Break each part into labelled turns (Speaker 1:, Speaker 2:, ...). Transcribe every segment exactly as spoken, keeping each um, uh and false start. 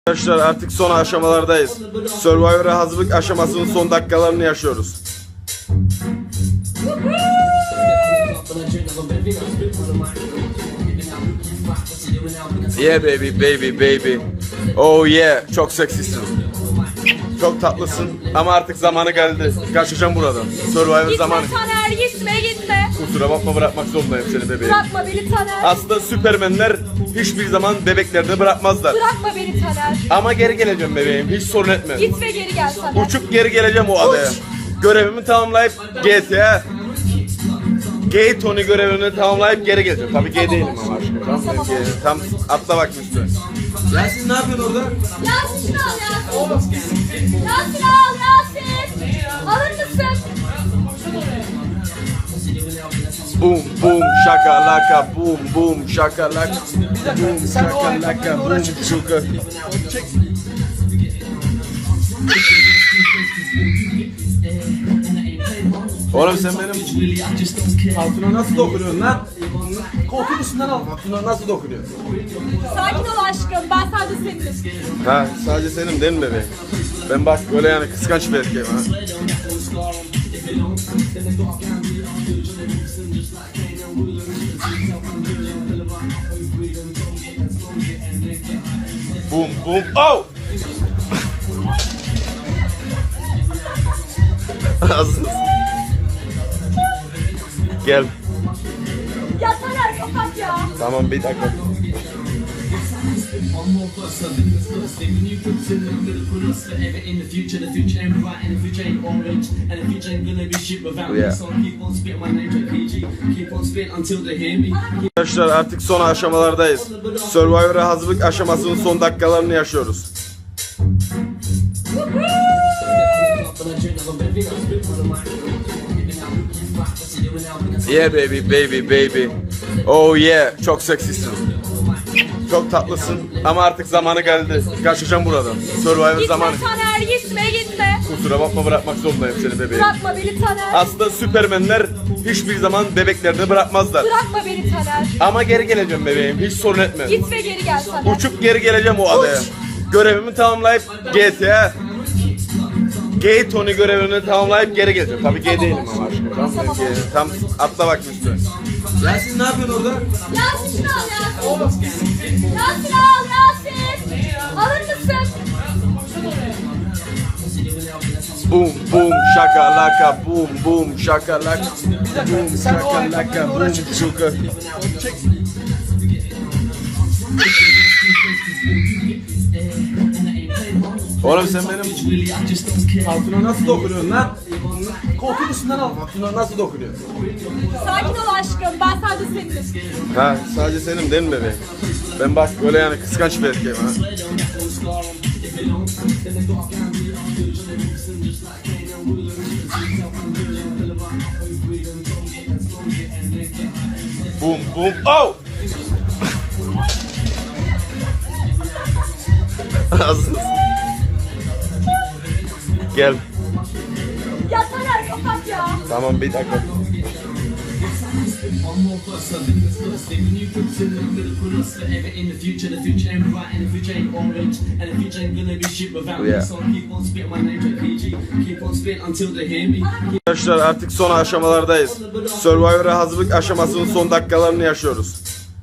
Speaker 1: Arkadaşlar artık son aşamalardayız. Survivor'a hazırlık aşamasının son dakikalarını yaşıyoruz. Yeah baby baby baby. Oh yeah, çok seksisin. Çok tatlısın ama artık zamanı geldi. Kaçacağım buradan. Survivor
Speaker 2: Gitme
Speaker 1: zamanı.
Speaker 2: Taner, gitme gitme.
Speaker 1: Kusura bakma, bırakmak zorundayım seni bebeğim.
Speaker 2: Bırakma beni Taner.
Speaker 1: Aslında süpermenler hiçbir zaman bebeklerde bırakmazlar.
Speaker 2: Bırakma beni Taner.
Speaker 1: Ama geri geleceğim bebeğim, hiç sorun etme.
Speaker 2: Git ve geri gel Taner.
Speaker 1: Uçup geri geleceğim o adaya. Görevimi tamamlayıp G T A Gay Tony görevini tamamlayıp geri geleceğim. Tabii gay değilim ama aşkım. Tamam,
Speaker 2: Tamam.
Speaker 1: Gay- tam atla bak üstüne. Yasin ne yapıyorsun orada?
Speaker 2: Yasin şunu al Yasin. Yasin al Yasin. Alır mısın?
Speaker 1: Boom boom şakalaka, boom boom şakalaka, boom şakalaka, boom şuka. Oğlum sen benim altına nasıl dokunuyorsun lan? Koltuğun üstünden al. Altına nasıl dokunuyorsun?
Speaker 2: Sakin ol aşkım. Ben sadece seninim.
Speaker 1: Ha, sadece senin değil mi bebeğim? Ben bak böyle yani kıskanç bir erkeğim ha. Boom boom oh! Hazır. Gel.
Speaker 2: Ya Taner kapat ya.
Speaker 1: Tamam bir dakika. Arkadaşlar artık son aşamalardayız. Survivor'a hazırlık aşamasının son dakikalarını yaşıyoruz. Yeah baby baby baby. Oh yeah, çok seksisin. Çok tatlısın ama artık zamanı geldi. Kaçacağım buradan. Survivor
Speaker 2: Gitme
Speaker 1: zamanı.
Speaker 2: Taner, gitme gitme.
Speaker 1: Kusura bakma, bırakmak zorundayım seni bebeğim.
Speaker 2: Bırakma beni Taner.
Speaker 1: Aslında süpermenler hiçbir zaman bebeklerde bırakmazlar.
Speaker 2: Bırakma beni Taner.
Speaker 1: Ama geri geleceğim bebeğim, hiç sorun etme.
Speaker 2: Git ve geri gel Taner.
Speaker 1: Uçup geri geleceğim o adaya. Görevimi tamamlayıp G T A Gay Tony görevini tamamlayıp geri geleceğim. Tabii gay değilim ama aşkım. Tamam,
Speaker 2: Tamam.
Speaker 1: Gay- tam atla bak üstüne. Yasin ne yapıyorsun orada?
Speaker 2: Yasin şunu al Yasin. Yasin al Yasin. Alır mısın?
Speaker 1: Boom boom şakalaka, boom boom şakalaka, boom şakalaka, boom şuka. Oğlum sen benim altına nasıl dokunuyorsun lan? Koltuğun üstünden al. Altına nasıl dokunuyorsun?
Speaker 2: Sakin ol aşkım. Ben sadece seninim.
Speaker 1: Ha, sadece senin değil mi bebeğim? Ben bak böyle yani kıskanç bir erkeğim ha. Boom boom oh! Hazır. Gel.
Speaker 2: Ya Taner kapat ya.
Speaker 1: Tamam bir dakika. Arkadaşlar artık son aşamalardayız. Survivor'a hazırlık aşamasının son dakikalarını yaşıyoruz.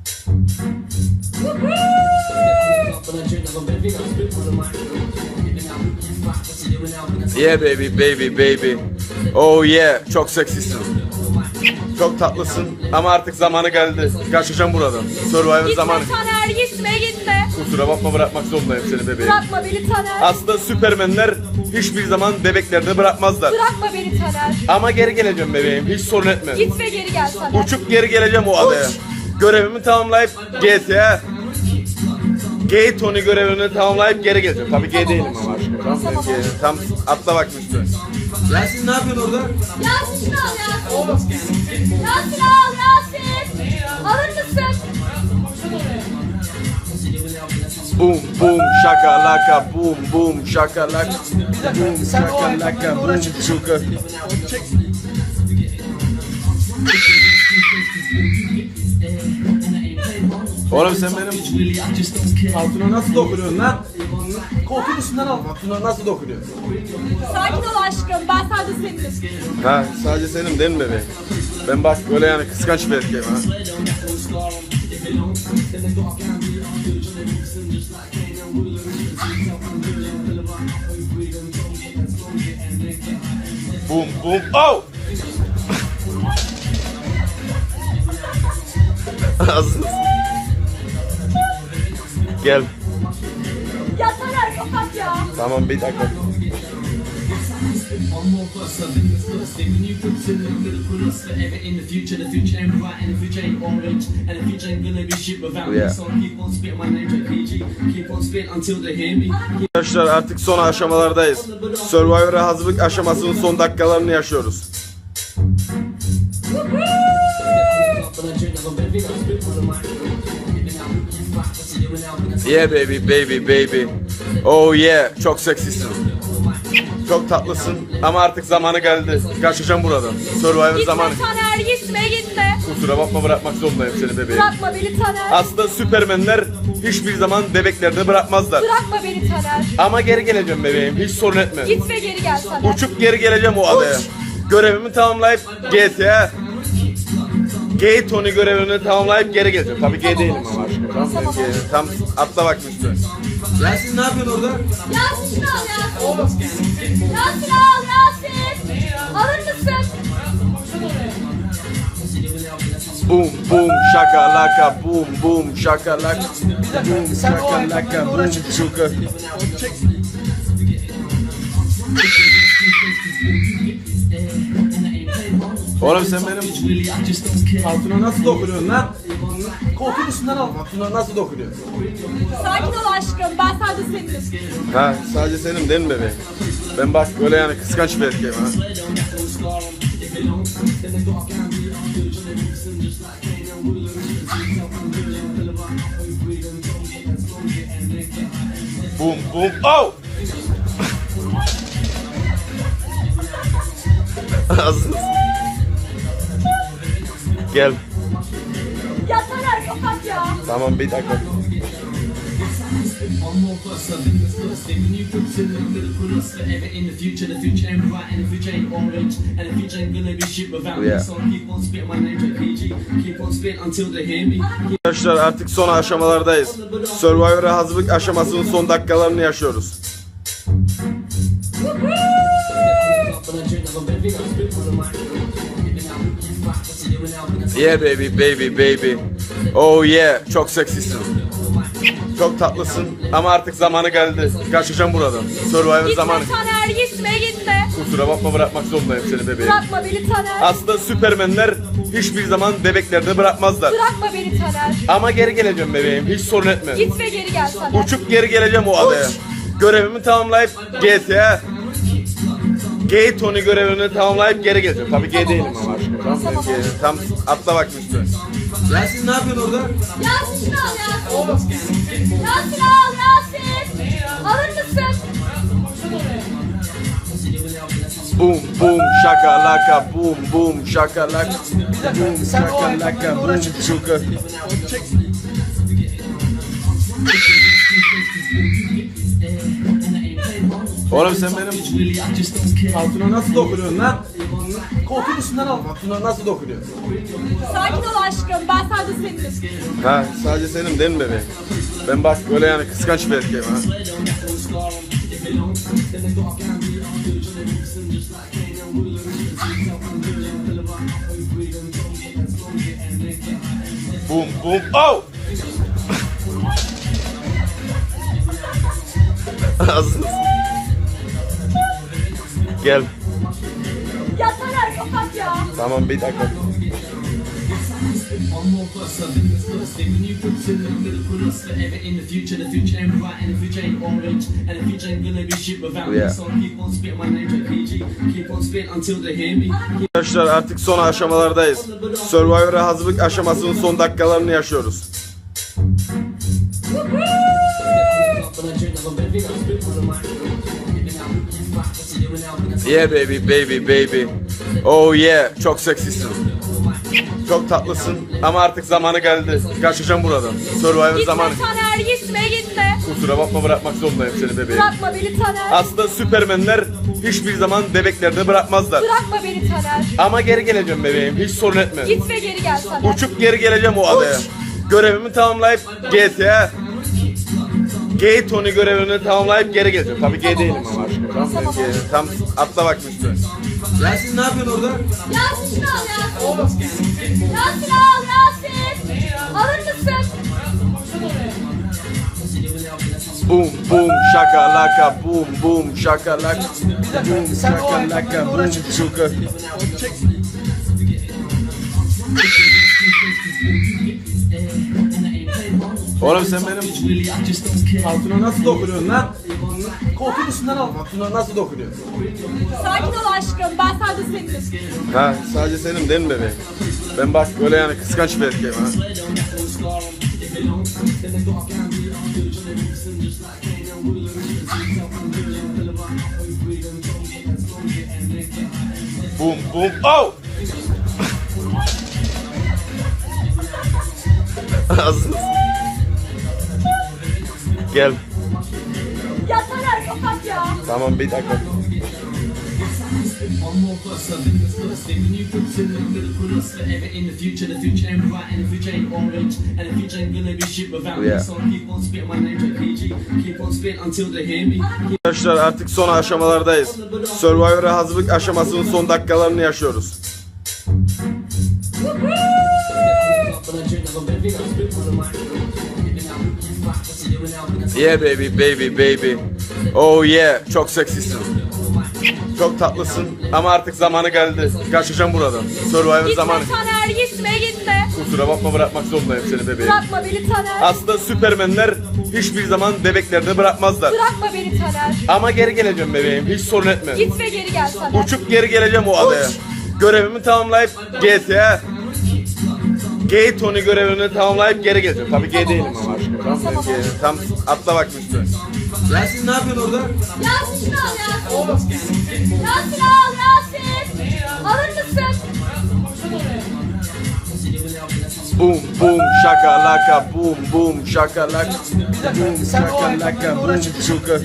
Speaker 1: Yeah baby baby baby. Oh yeah, çok seksisin. Çok tatlısın ama artık zamanı geldi. Kaçacağım buradan. Survivor
Speaker 2: Gitme
Speaker 1: zamanı.
Speaker 2: Taner, gitme gitme.
Speaker 1: Kusura bakma, bırakmak zorundayım seni bebeğim.
Speaker 2: Bırakma beni Taner.
Speaker 1: Aslında süpermenler hiçbir zaman bebeklerde bırakmazlar.
Speaker 2: Bırakma beni Taner.
Speaker 1: Ama geri geleceğim bebeğim, hiç sorun etme.
Speaker 2: Git ve geri gel Taner.
Speaker 1: Uçup geri geleceğim o adaya. Görevimi tamamlayıp G T A Gay Tony görevini tamamlayıp geri geleceğim. Tabii gay değilim ama aşkım. Tamam,
Speaker 2: Tamam.
Speaker 1: Gay- tam atla bak üstüne. Yasin ne yapıyorsun orada?
Speaker 2: Yasin şunu al Yasin. Yasin al Yasin. Alır mısın?
Speaker 1: Boom boom şakalaka, boom boom şakalaka, boom şakalaka, boom şuka. Oğlum sen benim altına nasıl dokunuyorsun lan? Koltuğun üstünden al. Bak şuna nasıl dokunuyor.
Speaker 2: Sakin ol aşkım. Ben sadece seninim.
Speaker 1: Ha sadece senin değil mi bebeğim? Ben bak böyle yani kıskanç bir erkeğim ha. Boom boom oh! Hazır. Gel.
Speaker 2: Ya Taner kapat ya.
Speaker 1: Tamam bir dakika.
Speaker 3: One more plus, I think it's plus. When you consider I'm gonna put us forever in the future. The future ain't bright and the future ain't orange. And the future ain't gonna be shit without me.
Speaker 1: Yeah.
Speaker 3: So I keep on spitting my name like P G. Keep on spitting until they hear me.
Speaker 1: Arkadaşlar artık son aşamalardayız. Survivor'a hazırlık aşamasının son dakikalarını yaşıyoruz.
Speaker 3: But I drink like a baby, I spit for the mic.
Speaker 1: Yeah baby baby baby. Oh yeah çok seksisin. Çok tatlısın ama artık zamanı geldi. Kaçacağım buradan. Survivor
Speaker 2: Gitme
Speaker 1: zamanı.
Speaker 2: Taner gitme gitme.
Speaker 1: Kusura bakma bırakmak zorundayım seni bebeğim.
Speaker 2: Bırakma beni Taner.
Speaker 1: Aslında süpermenler hiçbir zaman bebeklerini bırakmazlar.
Speaker 2: Bırakma beni Taner.
Speaker 1: Ama geri geleceğim bebeğim hiç sorun etme.
Speaker 2: Git ve geri gel Taner.
Speaker 1: Uçup geri geleceğim o adaya. Görevimi tamamlayıp G T A Gay Tony görevini tamamlayıp geri geleceğim. Tabii gay değilim ama aşkım. Tamam,
Speaker 2: Tamam.
Speaker 1: gay- tam atla bak üstüne. Yasin ne yapıyorsun orada?
Speaker 2: Yasin şunu al Yasin. Yasin al Yasin. Alır mısın?
Speaker 1: Boom boom şakalaka boom boom şakalaka boom şakalaka boom şuka. Oğlum sen benim altına nasıl dokunuyorsun lan? Koltuğun üstünden al. Altına nasıl dokunuyor?
Speaker 2: Sakin ol aşkım. Ben sadece seninim.
Speaker 1: Ha sadece senin değil mi bebeğim? Ben bak böyle yani kıskanç bir erkeğim ha. Boom boom oh! Hazır. Gel.
Speaker 2: Ya Taner kapat ya.
Speaker 1: Tamam bir dakika.
Speaker 3: One more plus, I think it's plus. When you consider I'm gonna put us forever in the future. The future ain't bright and the future ain't orange. And the future ain't gonna be shit without me.
Speaker 1: Yeah.
Speaker 3: So I keep on spitting my name like P G. Keep on spitting until they hear me.
Speaker 1: Arkadaşlar artık son aşamalardayız. Survivor'a hazırlık aşamasının son dakikalarını yaşıyoruz.
Speaker 3: But I drink like a baby, I spit for the mic.
Speaker 1: Yeah baby baby baby. Oh yeah çok seksisin. Çok tatlısın ama artık zamanı geldi. Kaçacağım buradan. Survivor
Speaker 2: Gitme
Speaker 1: zamanı.
Speaker 2: Taner gitme gitme.
Speaker 1: Kusura bakma bırakmak zorundayım seni bebeğim.
Speaker 2: Bırakma beni Taner.
Speaker 1: Aslında süpermenler hiçbir zaman bebeklerini bırakmazlar.
Speaker 2: Bırakma beni Taner.
Speaker 1: Ama geri geleceğim bebeğim hiç sorun etme.
Speaker 2: Git ve geri gel Taner.
Speaker 1: Uçup geri geleceğim o adaya. Görevimi tamamlayıp G T A Gay Tony görevini tamamlayıp geri geleceğim. Tabii gay değilim ama aşkım. Tamam,
Speaker 2: Tamam.
Speaker 1: gay- tam atla bak üstüne. Yasin ne yapıyorsun orada?
Speaker 2: Yasin şunu al Yasin. Yasin al Yasin. Alır mısın?
Speaker 1: Boom boom şakalaka boom boom şakalaka boom şakalaka boom şuka. Oğlum sen benim altına nasıl dokunuyorsun lan? Koltuğun üstünden al. Altına nasıl dokunuyor?
Speaker 2: Sakin ol aşkım. Ben sadece seninim.
Speaker 1: Ha sadece senin değil mi bebeğim? Ben bak böyle yani kıskanç bir erkeğim ha. Boom boom oh! Hazır. Gel.
Speaker 2: Ya Taner kapat ya.
Speaker 1: Tamam bir dakika.
Speaker 3: One more plus, I think it's plus. When you consider I'm gonna put us forever in the future. The future ain't bright and the future ain't orange. And the future ain't gonna be shit without me.
Speaker 1: Yeah.
Speaker 3: So I keep on spitting my name like P G. Keep on spitting until they hear me.
Speaker 1: Arkadaşlar artık son aşamalardayız. Survivor'a hazırlık aşamasının son dakikalarını yaşıyoruz.
Speaker 3: But I drink like a baby, I spit for the mic.
Speaker 1: Yeah baby baby baby. Oh yeah çok seksisin. Çok tatlısın ama artık zamanı geldi. Kaçacağım buradan. Survivor
Speaker 2: Gitme
Speaker 1: zamanı.
Speaker 2: Taner gitme gitme.
Speaker 1: Kusura bakma, bırakmak zorundayım seni bebeğim.
Speaker 2: Bırakma beni Taner.
Speaker 1: Aslında süpermenler hiçbir zaman bebeklerde bırakmazlar.
Speaker 2: Bırakma beni Taner.
Speaker 1: Ama geri geleceğim bebeğim, hiç sorun etme.
Speaker 2: Git ve geri gel Taner.
Speaker 1: Uçup geri geleceğim o adaya. Görevimi tamamlayıp G T A Gay Tony görevini tamamlayıp geri geleceğim. Tabii gay değilim ama aşkım. Tamam,
Speaker 2: Tamam.
Speaker 1: Gay- tam atla bak üstüne. Yasin ne yapıyorsun orada?
Speaker 2: Yasin şunu al Yasin. Yasin al Yasin. Alır mısın?
Speaker 1: Boom boom şakalaka, boom boom şakalaka, boom şakalaka, boom şuka. Oğlum sen benim altına nasıl dokunuyorsun lan? Koltuğun üstünden al. Altına nasıl dokunuyorsun?
Speaker 2: Sakin ol aşkım. Ben sadece senin.
Speaker 1: Ha, sadece senin değil mi bebeğim? Ben bak öyle yani kıskanç bir erkeğim ha. Boom boom oh! Ağzınız. Gel.
Speaker 2: Ya Taner kapat ya.
Speaker 1: Tamam bir dakika.
Speaker 3: One more plus, I think it's plus. When you consider I'm gonna put us forever in the future. The future ain't bright and the future ain't orange. And the future ain't gonna be shit without me.
Speaker 1: Yeah.
Speaker 3: So I keep on spitting my name like P G. Keep on spitting until they hear me.
Speaker 1: Arkadaşlar artık son aşamalardayız. Survivor'a hazırlık aşamasının son dakikalarını yaşıyoruz. Yeah baby baby baby. Oh yeah, çok seksisin. Çok tatlısın ama artık zamanı geldi. Kaçacağım buradan. Survivor
Speaker 2: Gitme
Speaker 1: zamanı.
Speaker 2: Taner gitme gitme.
Speaker 1: Kusura bakma, bırakmak zorundayım seni bebeğim.
Speaker 2: Bırakma beni Taner.
Speaker 1: Aslında süpermenler hiçbir zaman bebeklerde bırakmazlar.
Speaker 2: Bırakma beni Taner.
Speaker 1: Ama geri geleceğim bebeğim, hiç sorun etme.
Speaker 2: Git ve geri gel Taner.
Speaker 1: Uçup geri geleceğim o adaya. Görevimi tamamlayıp G T A Gay Tony görevini tamamlayıp geri geleceğim. Tabii gay değilim ama aşkım. Tamam,
Speaker 2: Tamam.
Speaker 1: Gay- tam atla bak üstüne. Yasin ne yapıyorsun orada?
Speaker 2: Yasin şunu al Yasin. Yasin al Yasin. Alır mısın?
Speaker 1: Boom boom şakalaka, boom boom şakalaka, boom şakalaka, boom şuka.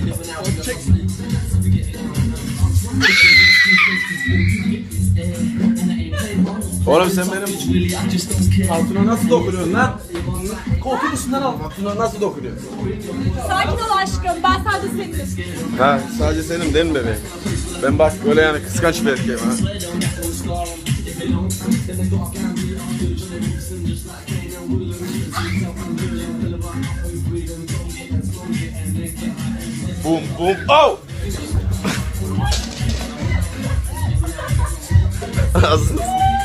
Speaker 1: Oğlum sen benim altına nasıl dokunuyorsun lan? Koltuğun üstünden al. Altına nasıl dokunuyorsun?
Speaker 2: Sakin ol aşkım. Ben sadece senin.
Speaker 1: Ha, sadece senin değil mi bebeğim? Ben bak öyle yani kıskanç bir erkeğim ha. Boom boom oh! Ağzınız.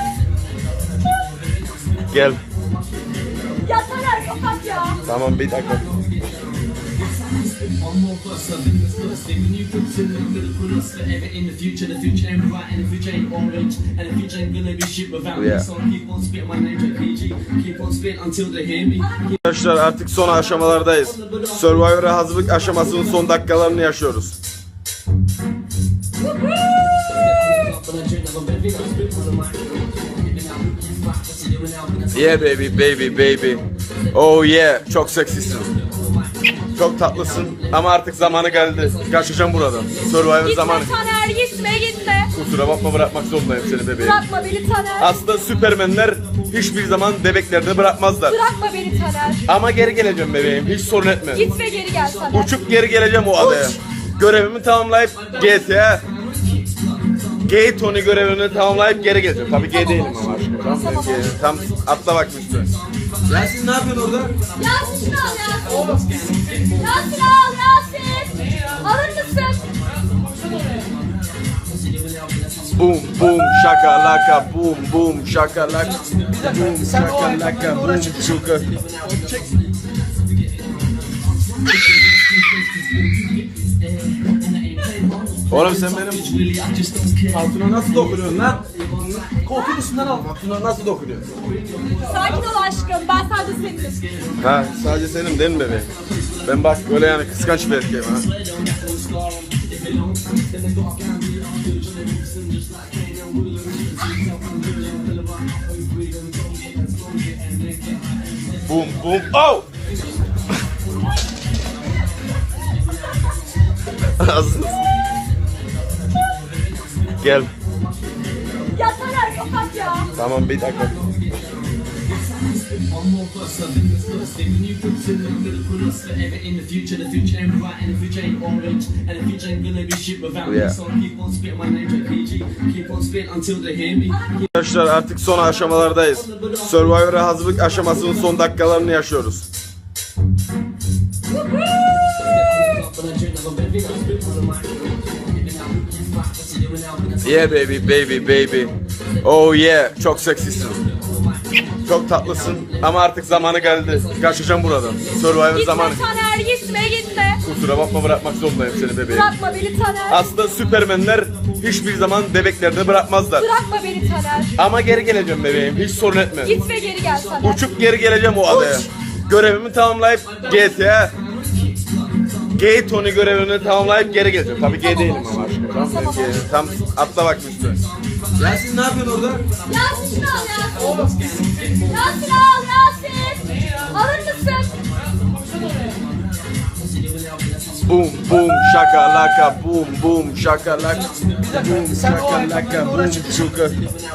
Speaker 1: Gel.
Speaker 2: Ya Taner kapat ya.
Speaker 1: Tamam bir dakika.
Speaker 3: One more plus, I think it's plus. When you consider I'm gonna put us forever in the future. The future ain't bright and the future ain't orange. And the future ain't gonna be shit without me.
Speaker 1: Yeah.
Speaker 3: So I keep on spitting my name like P G. Keep on spitting until they hear me.
Speaker 1: Arkadaşlar artık son aşamalardayız. Survivor'a hazırlık aşamasının son dakikalarını yaşıyoruz. Yeah baby baby baby. Oh yeah, çok seksisin. Çok tatlısın ama artık zamanı geldi. Kaçacağım buradan. Survivor
Speaker 2: Gitme
Speaker 1: zamanı.
Speaker 2: Taner gitme gitme.
Speaker 1: Kusura bakma, bırakmak zorundayım seni bebeğim.
Speaker 2: Bırakma beni Taner.
Speaker 1: Aslında süpermenler hiçbir zaman bebeklerde bırakmazlar.
Speaker 2: Bırakma beni Taner.
Speaker 1: Ama geri geleceğim bebeğim, hiç sorun etme.
Speaker 2: Git ve geri gel Taner.
Speaker 1: Uçup geri geleceğim o adaya. Görevimi tamamlayıp G T A Gay Tony görevini tamamlayıp geri geleceğim. Tabii gay değilim ama aşkım. Tamam,
Speaker 2: Tamam.
Speaker 1: Gay- tam atla bak üstüne. Yasin ne yapıyorsun orada?
Speaker 2: Yasin şunu al Yasin. Yasin al Yasin. Alır mısın?
Speaker 1: Boom boom şakalaka, boom boom şakalaka, boom şakalaka, boom şuka. Oğlum sen benim altına nasıl dokunuyorsun lan? Koltuğun üstünden al. Altına nasıl dokunuyorsun?
Speaker 2: Sakin ol aşkım. Ben sadece senin.
Speaker 1: Ha, sadece senin değil mi bebeğim? Ben bak öyle yani kıskanç bir erkeğim ha. Boom boom oh! Hazır. Gel.
Speaker 2: Ya Taner kapat ya.
Speaker 1: Tamam bir dakika.
Speaker 3: One more plus, I think it's first thing. When you consider I'm gonna put us forever in the future. The future ain't bright and the future ain't orange. And the future ain't gonna be shit without me.
Speaker 1: Yeah.
Speaker 3: So I keep on spitting my name like P G. Keep on spitting until they hear me.
Speaker 1: Arkadaşlar artık son aşamalardayız. Survivor'a hazırlık aşamasının son dakikalarını yaşıyoruz. Yeah baby baby baby. Oh yeah, çok seksisin. Çok tatlısın ama artık zamanı geldi. Kaçacağım buradan. Survivor
Speaker 2: Gitme
Speaker 1: zamanı.
Speaker 2: Taner gitme gitme.
Speaker 1: Kusura bakma, bırakmak zorundayım seni bebeğim.
Speaker 2: Bırakma beni Taner.
Speaker 1: Aslında süpermenler hiçbir zaman bebeklerde bırakmazlar.
Speaker 2: Bırakma beni Taner.
Speaker 1: Ama geri geleceğim bebeğim, hiç sorun etme.
Speaker 2: Git ve geri gel Taner.
Speaker 1: Uçup geri geleceğim o adaya. Görevimi tamamlayıp G T A Gay Tony görevini tamamlayıp geri geleceğim. Tabii gay değilim ama aşkım. Tamam,
Speaker 2: Tamam.
Speaker 1: Gay- tam atla bak üstüne. Yasin ne yapıyorsun orada?
Speaker 2: Yasin şunu al Yasin. Yasin al Yasin. Alır mısın?
Speaker 1: Boom boom şakalaka, boom boom şakalaka, boom şakalaka, boom şuka.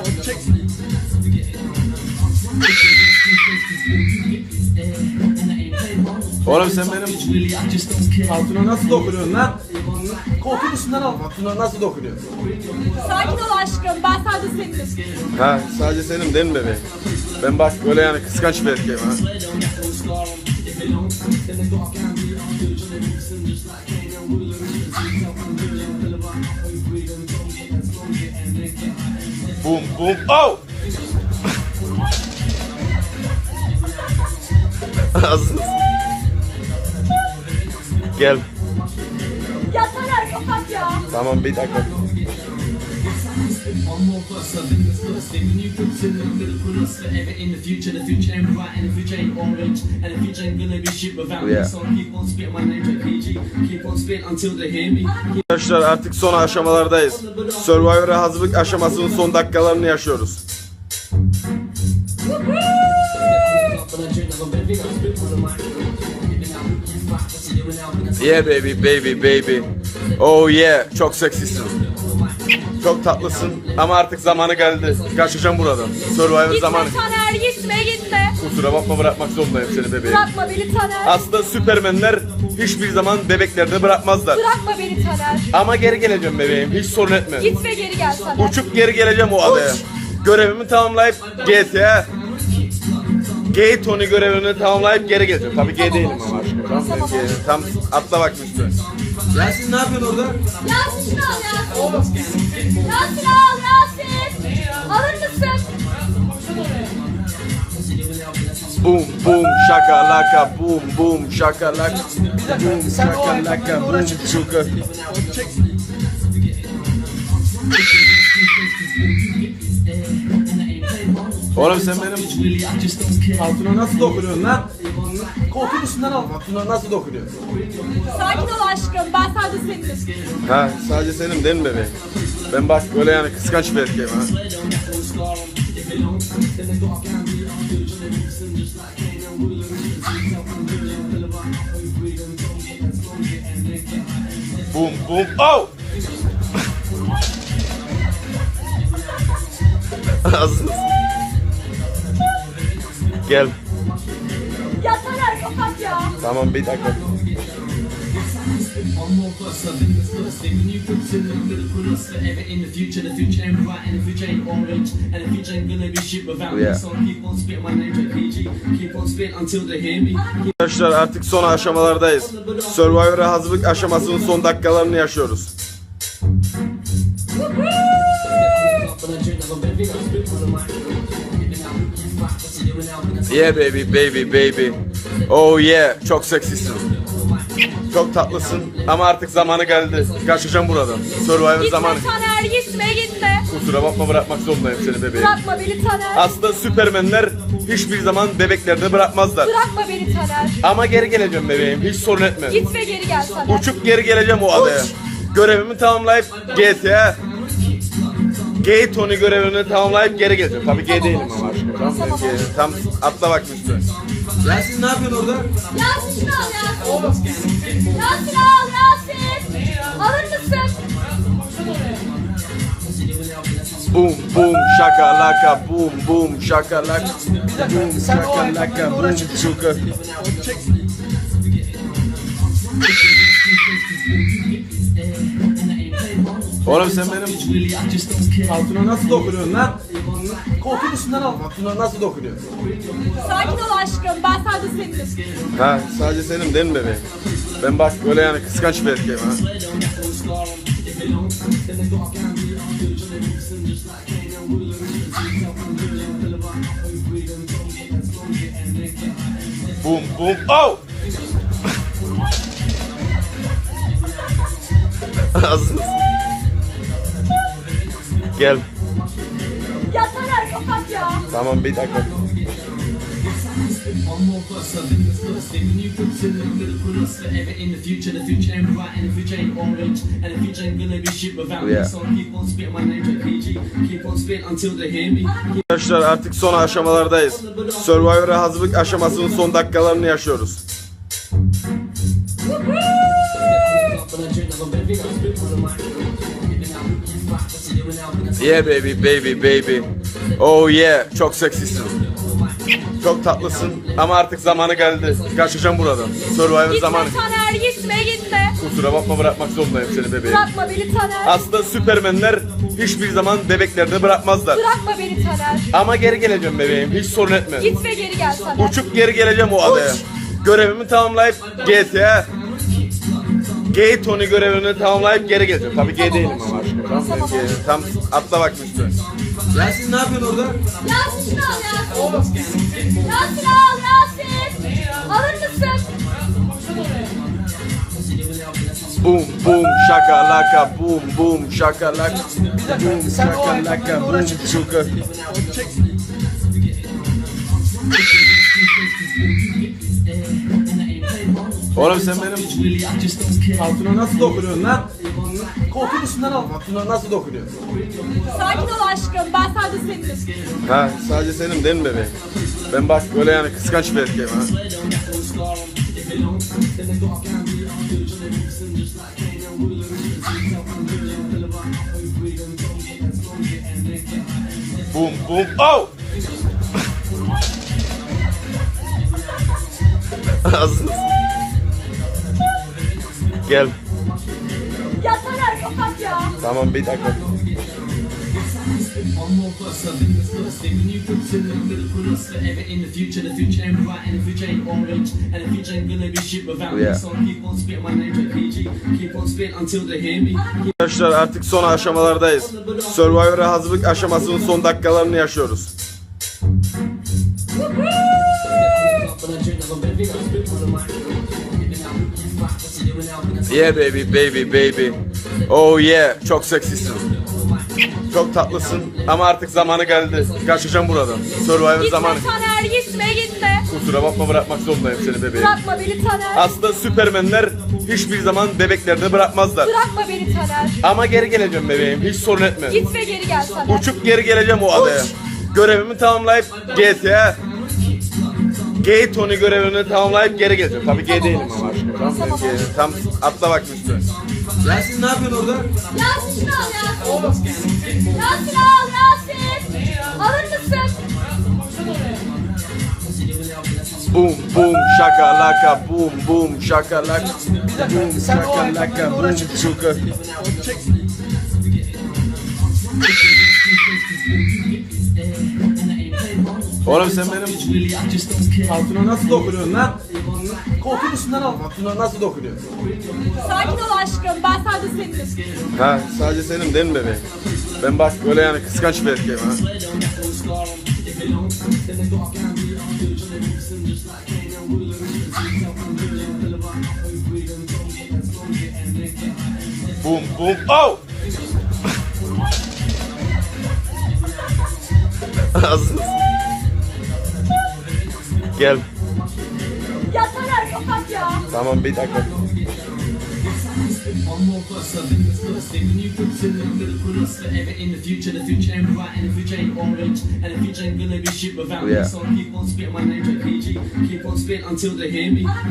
Speaker 1: Oğlum sen benim altına nasıl dokunuyorsun lan? Koltuğun üstünden al. Altına nasıl dokunuyorsun?
Speaker 2: Sakin ol aşkım. Ben sadece seninim.
Speaker 1: Ha, sadece senin değil mi bebeğim? Ben bak öyle yani kıskanç bir erkeğim ha. Boom boom oh! Hazır. Gel.
Speaker 2: Ya Taner kapat ya.
Speaker 1: Tamam bir dakika.
Speaker 3: One more plus, I think it's first thing. When you consider I'm gonna put us forever in the future. The future ain't bright and the future ain't orange. And the future ain't gonna be shit without me.
Speaker 1: Yeah.
Speaker 3: So I keep on spitting my name like P G. Keep on spitting until they hear me.
Speaker 1: Arkadaşlar artık son aşamalardayız. Survivor'a hazırlık aşamasının son dakikalarını yaşıyoruz. Yeah baby baby baby. Oh yeah, çok seksisin. Çok tatlısın ama artık zamanı geldi. Kaçacağım buradan. Survivor
Speaker 2: Gitme
Speaker 1: zamanı.
Speaker 2: Taner gitme gitme.
Speaker 1: Kusura bakma, bırakmak zorundayım seni bebeğim.
Speaker 2: Bırakma beni Taner.
Speaker 1: Aslında süpermenler hiçbir zaman bebeklerde bırakmazlar.
Speaker 2: Bırakma beni Taner.
Speaker 1: Ama geri geleceğim bebeğim, hiç sorun etme.
Speaker 2: Git ve geri gel Taner.
Speaker 1: Uçup geri geleceğim o adaya. Görevimi tamamlayıp G T A Gay Tony görevini tamamlayıp geri geleceğim. Tabii gay değilim ama aşkım. Tamam,
Speaker 2: Tamam.
Speaker 1: Gay- tam atla bak üstüne. Yasin ne yapıyorsun orada?
Speaker 2: Yasin şunu al Yasin. Yasin al Yasin. Alır mısın?
Speaker 1: Boom boom şakalaka, boom boom şakalaka, boom şakalaka, boom şuka. Oğlum sen benim altına nasıl dokunuyorsun lan? Koltuğun üstünden al. Altına nasıl dokunuyorsun?
Speaker 2: Sakin ol aşkım. Ben sadece seninim.
Speaker 1: Ha, sadece senin değil mi bebeğim? Ben bak öyle yani kıskanç bir erkeğim ha. Boom boom oh! Hazır. Gel.
Speaker 2: Ya Taner kapat ya.
Speaker 1: Tamam bir dakika.
Speaker 3: One more plus, I think it's first thing. When you consider I'm gonna put us forever in the future. The future ain't bright and the future ain't orange. And the future ain't gonna be shit without me.
Speaker 1: Yeah.
Speaker 3: So I keep on spitting my name like P G. Keep on spitting until they hear me.
Speaker 1: Arkadaşlar artık son aşamalardayız. Survivor'a hazırlık aşamasının son dakikalarını yaşıyoruz. Yeah baby baby baby. Oh yeah, çok seksisin. Çok tatlısın ama artık zamanı geldi. Kaçacağım buradan. Survivor
Speaker 2: Gitme
Speaker 1: zamanı.
Speaker 2: Taner gitme gitme.
Speaker 1: Kusura bakma, bırakmak zorundayım seni bebeğim.
Speaker 2: Bırakma beni Taner.
Speaker 1: Aslında süpermenler hiçbir zaman bebeklerde bırakmazlar.
Speaker 2: Bırakma beni Taner.
Speaker 1: Ama geri geleceğim bebeğim, hiç sorun etme.
Speaker 2: Git ve geri gel Taner.
Speaker 1: Uçup geri geleceğim o adaya. Görevimi tamamlayıp G T A Gay Tony görevini tamamlayıp geri geleceğim. Tabii gay değilim ama aşkım. Tamam,
Speaker 2: Tamam.
Speaker 1: Gay- tam atla bak üstüne. Yasin ne yapıyorsun orada?
Speaker 2: Yasin şunu al Yasin. Yasin al Yasin.
Speaker 1: Boom boom shakalaka boom boom shakalaka boom shakalaka boom şuka. Oğlum sen benim altına nasıl dokunuyorsun lan? Koltuğun üstünden al. Altına nasıl dokunuyorsun?
Speaker 2: Sakin ol aşkım. Ben sadece seninim.
Speaker 1: Ha sadece senin değil mi bebeğim? Ben bak öyle yani kıskanç bir erkeğim ha. Boom boom oh! Ağzınız. Gel.
Speaker 2: Ya Taner kapat ya.
Speaker 1: Tamam bir dakika.
Speaker 3: One more plus, I think it's plus. When you consider I'm gonna put us forever in the future. The future ain't bright and the future ain't orange. And the future ain't gonna be shit without me.
Speaker 1: Yeah.
Speaker 3: So I keep on spitting my name like P G. Keep on spitting until they hear me.
Speaker 1: Arkadaşlar artık son aşamalardayız. Survivor'a hazırlık aşamasının son dakikalarını yaşıyoruz. Yeah baby baby baby. Oh yeah çok seksisin. Çok tatlısın ama artık zamanı geldi. Kaçacağım buradan. Survivor
Speaker 2: Gitme
Speaker 1: zamanı.
Speaker 2: Taner gitme gitme.
Speaker 1: Kusura bakma bırakmak zorundayım seni bebeğim.
Speaker 2: Bırakma beni Taner.
Speaker 1: Aslında süpermenler hiçbir zaman bebeklerde bırakmazlar.
Speaker 2: Bırakma beni Taner.
Speaker 1: Ama geri geleceğim bebeğim hiç sorun etme.
Speaker 2: Git ve geri gel Taner.
Speaker 1: Uçup geri geleceğim o adaya. Görevimi tamamlayıp G T A Gay Tony görevini tamamlayıp geri geleceğim. Tabii gay değilim ama aşkım. Tamam,
Speaker 2: Tamam.
Speaker 1: gay- tam atla bak üstüne. Yasin ne yapıyorsun orada?
Speaker 2: Yasin şunu al Yasin. Yasin al Yasin. Alır mısın?
Speaker 1: Boom boom shakalaka boom boom shakalaka boom shakalaka boom şuka. Oğlum sen benim altına nasıl dokunuyorsun lan? Koltuğun üstünden al. Altına nasıl dokunuyorsun?
Speaker 2: Sakin ol aşkım. Ben sadece seninim.
Speaker 1: Ha sadece senin değil mi bebeğim? Ben bak öyle yani kıskanç bir erkeğim ha. Boom boom oh! Ağzınız. Gel.
Speaker 2: Ya Taner kapat ya.
Speaker 1: Tamam bir dakika.
Speaker 3: One more plus, I think it's plus. When you consider I'm gonna put us forever in the future. The future ain't bright and the future ain't orange. And the future ain't gonna be shit without me.
Speaker 1: Yeah.
Speaker 3: So I keep on spitting my name like P G. Keep on spitting until they hear me.
Speaker 1: Arkadaşlar artık son aşamalardayız. Survivor'a hazırlık aşamasının son dakikalarını yaşıyoruz. Yeah baby baby baby. Oh yeah çok seksisin. Çok tatlısın ama artık zamanı geldi. Kaçacağım buradan. Survivor
Speaker 2: Gitme
Speaker 1: zamanı.
Speaker 2: Taner gitme gitme.
Speaker 1: Kusura bakma bırakmak zorundayım seni bebeğim.
Speaker 2: Bırakma beni Taner.
Speaker 1: Aslında süpermenler hiçbir zaman bebeklerde bırakmazlar.
Speaker 2: Bırakma beni Taner.
Speaker 1: Ama geri geleceğim bebeğim hiç sorun etme.
Speaker 2: Git ve geri gel Taner.
Speaker 1: Uçup geri geleceğim o adaya. Görevimi tamamlayıp G T A Gay Tony görevini tamamlayıp geri geleceğim. Tabii gay değilim ama aşkım. Tamam,
Speaker 2: Tamam.
Speaker 1: gay- tam atla bak üstüne. Yasin ne yapıyorsun orada?
Speaker 2: Yasin şunu al Yasin. Yasin al Yasin. Alır mısın?
Speaker 1: Boom boom shakalaka boom boom shakalaka boom shakalaka boom şuka. Oğlum sen benim altına nasıl dokunuyorsun lan? Koltuğun üstünden al. Altına nasıl dokunuyorsun?
Speaker 2: Sakin ol aşkım. Ben sadece seninim.
Speaker 1: Ha sadece senin değil mi bebeğim? Ben bak öyle yani kıskanç bir erkeğim ha. Boom boom oh! Ağzınız. Gel.
Speaker 2: Ya Taner kapat ya.
Speaker 1: Tamam bir dakika.
Speaker 3: One more plus, I think it's plus. When you consider I'm gonna put us forever in the future. The future ain't bright and the future ain't orange. And the future ain't gonna be shit without
Speaker 1: Yeah.
Speaker 3: me. So I keep on spitting my name like P G. Keep on spitting until they hear me.